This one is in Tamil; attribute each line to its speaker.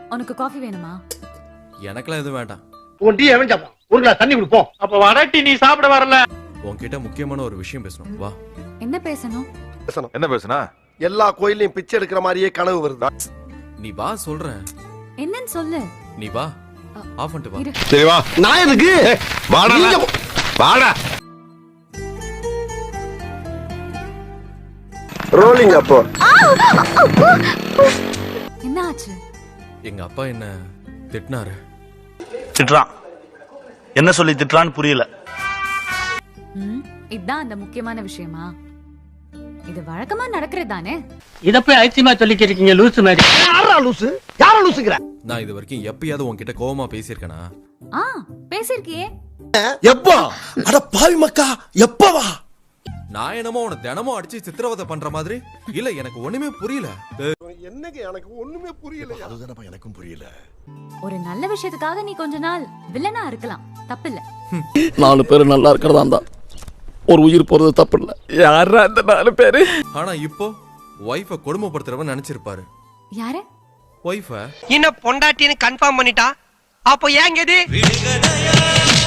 Speaker 1: உனக்கு காஃபி வேணுமா?
Speaker 2: எனக்குலாம் எதுவும் வேண்டாம்.
Speaker 3: உன் டீ எவன் சாப்பிடும்? ஒரு கிளாஸ் தண்ணி குடிப்போம்.
Speaker 4: அப்ப வடட்டி நீ சாப்பிட வரல.
Speaker 2: உன்கிட்ட முக்கியமான ஒரு விஷயம் பேசணும். வா.
Speaker 1: என்ன பேசணும்?
Speaker 5: என்ன பேசுனா?
Speaker 3: எல்லா கோயிலையும் பிச்சை எடுக்கிற மாதிரியே கனவு வருதா?
Speaker 2: நீ வா சொல்றேன்.
Speaker 1: என்னன்னு சொல்லு.
Speaker 2: நீ வா. ஆஃப் பண்ணிட்டு வா.
Speaker 5: சரி வா.
Speaker 3: நான் எதுக்கு?
Speaker 5: வாடா. வாடா.
Speaker 3: ரோலிங் அப்போ.
Speaker 1: என்ன ஆச்சு?
Speaker 2: எங்க அப்பா என்ன திட்டினாரு.
Speaker 6: திட்டுறான். என்ன சொல்லி திட்டுறான்னு புரியல.
Speaker 1: இதான் அந்த முக்கியமான விஷயமா? இது வழக்கமா நடக்கிறது தானே?
Speaker 4: இத போய் ஐசியமா சொல்லிக்கிட்டு இருக்கீங்க லூசு மாதிரி.
Speaker 3: யாரா லூசு? யாரா லூசுங்கற?
Speaker 2: நான் இது வரைக்கும் எப்பயாவது உன்கிட்ட கோவமா பேசியிருக்கேனா?
Speaker 1: பேசிருக்கியே.
Speaker 3: எப்போ? அட பாவி மக்கா, எப்பவா?
Speaker 2: நான் என்னமோ உன தினமும் அடிச்சு சித்திரவதை பண்ற மாதிரி? இல்ல எனக்கு ஒண்ணுமே புரியல.
Speaker 3: என்னங்க எனக்கு ஒண்ணுமே புரியல. அதுதானப்பா எனக்கும் புரியல.
Speaker 1: ஒரு நல்ல விஷயத்துக்காக நீ கொஞ்ச நாள் வில்லனா இருக்கலாம், தப்பில்ல.
Speaker 7: 4 பேர் நல்லா இருக்கிறதா இருந்தா ஒரு உயிர் போறது தப்பு இல்ல. யாரா அந்த 4 பேரு?
Speaker 2: ஆனா இப்போ வைஃப கொடுமைப்படுத்துறவன் நினைச்சிருப்பாரு.
Speaker 1: யாரு?
Speaker 2: வைஃப
Speaker 8: இன்னும் பொண்டாட்டின்னு கன்ஃபார்ம் பண்ணிட்டா அப்போ ஏங்க இது